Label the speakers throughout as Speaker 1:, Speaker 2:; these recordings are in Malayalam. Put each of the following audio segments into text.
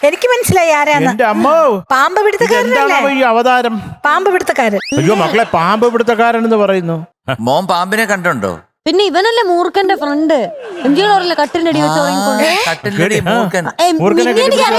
Speaker 1: എനിക്ക് മനസ്സിലായി ആരാന്ന്.
Speaker 2: എന്റെ അമ്മോ,
Speaker 1: പാമ്പ് പിടുത്തക്കാരനല്ലേ?
Speaker 2: എന്താണ് ഈ അവതാരം?
Speaker 1: പാമ്പ് പിടുത്തക്കാരൻ.
Speaker 2: അയ്യോ മക്കളെ, പാമ്പ് പിടുത്തക്കാരൻ എന്ന് പറയുന്നു.
Speaker 3: മോൻ പാമ്പിനെ കണ്ടുണ്ടോ?
Speaker 4: പിന്നെ ഇവനല്ലേ മൂർഖന്റെ ഫ്രണ്ട്. എംജിയോടല്ലേ കട്ടിന്റെ അടി വെച്ച് ഉറങ്ങിക്കൊണ്ട്.
Speaker 3: കട്ടിലടി മൂർഖൻ.
Speaker 2: മൂർഖനെ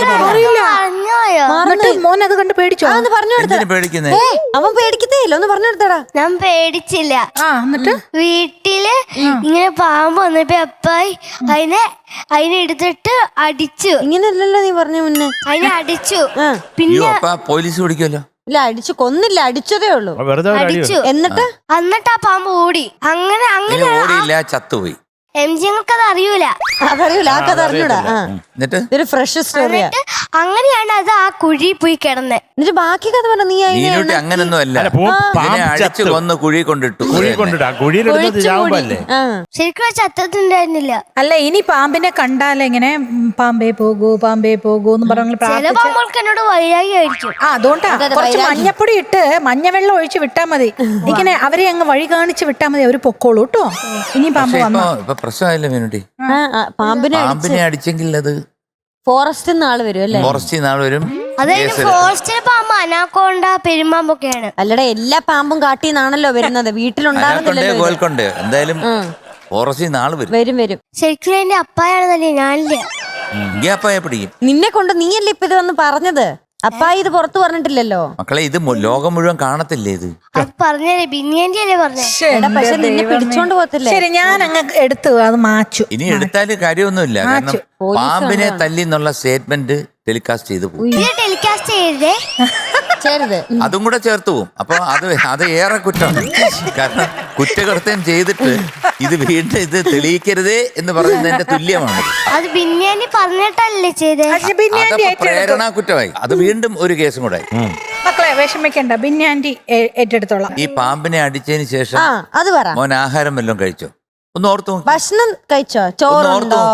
Speaker 1: എന്നിട്ട് മോൻ അത് കണ്ട് പേടിച്ചോ?
Speaker 4: ഒന്ന് പറഞ്ഞു കൊടുത്ത
Speaker 3: എന്തിനു പേടിക്കുന്നേ?
Speaker 4: അവൻ പേടിക്കത്തേ ഇല്ല. ഒന്ന് പറഞ്ഞു കൊടുത്തടാ.
Speaker 5: ഞാൻ പേടിച്ചില്ല.
Speaker 1: എന്നിട്ട്
Speaker 5: വീട്ടില് ഇങ്ങനെ പാമ്പ് വന്നപ്പോ അപ്പായി അതിനെ എടുത്തിട്ട് അടിച്ചു.
Speaker 4: ഇങ്ങനെയല്ലല്ലോ നീ പറഞ്ഞ മുന്നേ.
Speaker 5: അതിനെ അടിച്ചു.
Speaker 3: അയ്യോ, അപ്പൊ പോലീസ് പിടിക്കുമല്ലോ.
Speaker 4: ഇല്ല, അടിച്ചു കൊന്നില്ല, അടിച്ചതേ ഉള്ളൂ.
Speaker 2: വെറുതെ ഒരു അടി.
Speaker 5: അടിച്ചു.
Speaker 4: എന്നിട്ട്
Speaker 5: ആ പാമ്പ് ഓടി. അങ്ങനെ
Speaker 3: ഇനി ഓടിയില്ല, ചത്തുപോയി.
Speaker 5: എംജിങ്ങൾക്ക് അത് അറിയൂല.
Speaker 4: അതറിയൂല, ആ കഥ അറിഞ്ഞൂടാ.
Speaker 3: എന്നിട്ട്
Speaker 4: ഇതൊരു ഫ്രഷ് സ്റ്റോറിയാ.
Speaker 5: അങ്ങനെയാണ് അത് ആ കുഴി പോയി കിടന്നെ.
Speaker 4: എന്നിട്ട് ബാക്കി കഥ പറഞ്ഞ നീ
Speaker 3: നീനൂട്ടി അങ്ങനൊന്നും അല്ല.
Speaker 2: അല്ല,
Speaker 3: ഇതിനെ അടിച്ചു കൊന്ന് കുഴി കൊണ്ടിട്ടു.
Speaker 2: കുഴി കൊണ്ടിട്ടാ, കുഴിയിലിടുന്നത് ചാവുമ്പല്ലേ?
Speaker 5: ശരിക്കും ചത്തത്തുണ്ടായിരുന്നില്ല.
Speaker 1: അല്ല, ഇനി പാമ്പിനെ കണ്ടാലെങ്ങനെ പാമ്പേ പോകൂ പാമ്പേ പോകൂ എന്ന് പറഞ്ഞു
Speaker 5: ചില പാമ്പുകൾക്ക് എന്നോട് വൈരാഗ്യം ആയിരിക്കും.
Speaker 1: അതുകൊണ്ടാ കുറച്ച് മഞ്ഞപ്പൊടി ഇട്ട് മഞ്ഞവെള്ളം ഒഴിച്ച് വിട്ടാ മതി. ഇങ്ങനെ അവരെ അങ്ങ് വഴി കാണിച്ച് വിട്ടാ മതി, അവര് പൊക്കോളൂ കേട്ടോ. ഇനി പാമ്പ് വന്നോ?
Speaker 3: ഇപ്പൊ പ്രശ്നമായില്ല മീനുട്ടി.
Speaker 4: പാമ്പിനെ
Speaker 3: അടിച്ചെങ്കിൽ അത്
Speaker 4: ഫോറസ്റ്റ് ആള് വരും അല്ലേ?
Speaker 3: ഫോറസ്റ്റിൽ നാളെ വരും.
Speaker 5: അതായത് ഫോറസ്റ്റിലെ പാമ്പ് അനാക്കോണ്ട പെരുമ്പാമ്പൊക്കെയാണ്.
Speaker 4: അല്ലടാ, എല്ലാ പാമ്പും കാട്ടിന്നാണല്ലോ വരുന്നത്, വീട്ടിലുണ്ടാകുന്നില്ലല്ലോ.
Speaker 3: കോൽക്കൊണ്ട് എന്തായാലും ഫോറസ്റ്റിൽ നാളെ വരും.
Speaker 4: വരും വരും.
Speaker 5: ശരിക്കും എന്റെ അപ്പായാണെന്നല്ലേ ഞാനില്ല.
Speaker 3: അപ്പായെ പിടിക്കും.
Speaker 4: നിന്നെ കൊണ്ട് നീയല്ലേ ഇപ്പൊ ഇത് വന്ന് പറഞ്ഞത്? അപ്പായി ഇത് പുറത്തു പറഞ്ഞിട്ടില്ലല്ലോ.
Speaker 3: മക്കളെ, ഇത് ലോകം മുഴുവൻ കാണത്തില്ലേ ഇത്?
Speaker 5: അത് പറഞ്ഞേ ബിന്നിയന്റെ അല്ലേ പറഞ്ഞേ.
Speaker 4: പക്ഷെ നിന്നെ പിടിച്ചോണ്ട് പോകത്തില്ലേ?
Speaker 1: ശരി, ഞാൻ അങ്ങ് എടുത്തു അത് മാച്ചു.
Speaker 3: ഇനി എടുത്താല് കാര്യമൊന്നുമില്ല. കാരണം പാമ്പിനെ തല്ലി എന്നുള്ള സ്റ്റേറ്റ്മെന്റ് ടെലികാസ്റ്റ് ചെയ്തു പോകും.
Speaker 5: ടെലികാസ്റ്റ് ചെയ്തേ
Speaker 4: ചേരുത്.
Speaker 3: അതും കൂടെ ചേർത്ത് പോവും. അപ്പൊ അത് ഏറെ കുറ്റമാണ്. കാരണം കുറ്റകൃത്യം ചെയ്തിട്ട് ഇത് വീണ്ടും ഇത് തെളിയിക്കരുതേ എന്ന് പറയുന്നതിന്റെ തുല്യമാണ്.
Speaker 5: അത് ബിന്നിയാനി പറഞ്ഞിട്ടല്ലേ ചെയ്തേ.
Speaker 3: അതപ്പോ പ്രേരണ കുറ്റമായി. അത് വീണ്ടും ഒരു കേസും കൂടെ.
Speaker 1: മക്കളെ വിഷമിക്കണ്ട, ബിന്നാൻറ്റി ഏറ്റെടുത്തോളാം.
Speaker 3: ഈ പാമ്പിനെ അടിച്ചതിന് ശേഷം
Speaker 4: അത് പറ.
Speaker 3: മോൻ ആഹാരം വല്ലതും കഴിച്ചോ? ഒന്ന് ഓർത്തു നോക്ക്.
Speaker 4: ഭക്ഷണം കഴിച്ചോ? ചോറുണ്ടോ?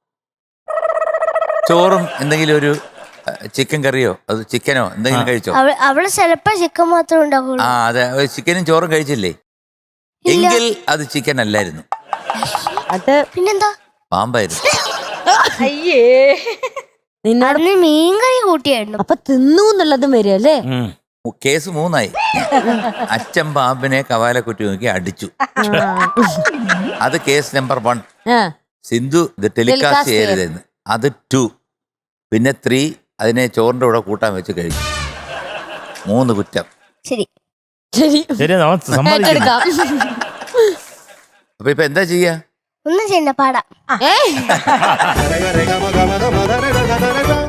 Speaker 3: ചോറും എന്തെങ്കിലും ഒരു ചിക്കൻ കറിയോ അത് ചിക്കനോ എന്തെങ്കിലും കഴിച്ചോ?
Speaker 5: അവള് ചിലപ്പോ ചിക്കൻ മാത്രമേ ഉണ്ടാവുള്ളൂ.
Speaker 3: അതെ, ചിക്കനും ചോറും കഴിച്ചില്ലേ? എങ്കിൽ അത് ചിക്കൻ അല്ലായിരുന്നു,
Speaker 4: അത്
Speaker 5: പിന്നെന്താ?
Speaker 3: പാമ്പായിരുന്നു.
Speaker 1: അയ്യേ,
Speaker 4: നിന്നോട്
Speaker 5: മീൻകറി കൂട്ടിയായിരുന്നു.
Speaker 4: അപ്പൊ തിന്നു എന്നുള്ളതും വരും അല്ലേ?
Speaker 3: കേസ് 3 അച്ഛൻ പാമ്പിനെ കവാലക്കുറ്റി നോക്കി അടിച്ചു. അത് കേസ് നമ്പർ 1. സിന്ധു ഇത് ടെലികാസ്റ്റ് ചെയ്യരുതെന്ന്. അത് 2. പിന്നെ 3 അതിനെ ചോറിന്റെ കൂടെ കൂട്ടാൻ വെച്ച് കഴിച്ചു. 3 കുറ്റം.
Speaker 5: ശരി
Speaker 4: ശരി,
Speaker 2: സമ്മതിക്കാം.
Speaker 3: അപ്പൊ ഇപ്പൊ എന്താ ചെയ്യാ?
Speaker 5: ഒന്നും ചെയ്യണ്ട, പാടാം.